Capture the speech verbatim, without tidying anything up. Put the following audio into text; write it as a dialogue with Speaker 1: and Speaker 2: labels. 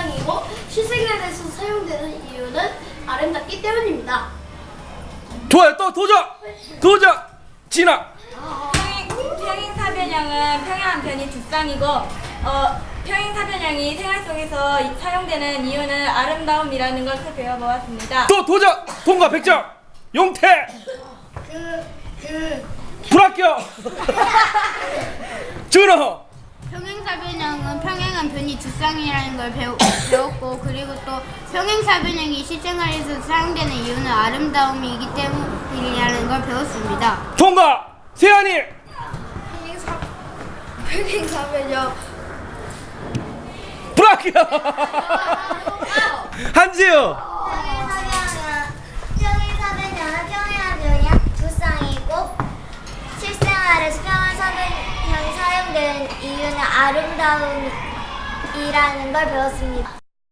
Speaker 1: 두쌍이고 실생활에서 사용되는 이유는 아름답기 때문입니다.
Speaker 2: 좋아요. 또 도전! 도전! 진아!
Speaker 3: 평행, 평행사변형은 평행한 변이 두 쌍이고 어, 평행사변형이 생활 속에서 이- 사용되는 이유는 아름다움이라는 것을 배워보았습니다.
Speaker 2: 또 도전! 통과 백 점! 용태!
Speaker 1: 그, 그
Speaker 2: 불합격! 준호!
Speaker 4: 평행사변형은 평행한 변이 두 쌍이라는 걸 배우, 배웠고 그리고 또 평행사변형이 실생활에서 사용되는 이유는 아름다움이기 때문이라는 걸 배웠습니다.
Speaker 2: 통과! 세안이!
Speaker 1: 평행사 평행사변형
Speaker 2: 불합격! 한지우!
Speaker 5: 평행사변형은 평행한 변이 두 쌍이고 실생활에서 평행사변형이 사용되는 이유는 아름다움이라는 걸 배웠습니다.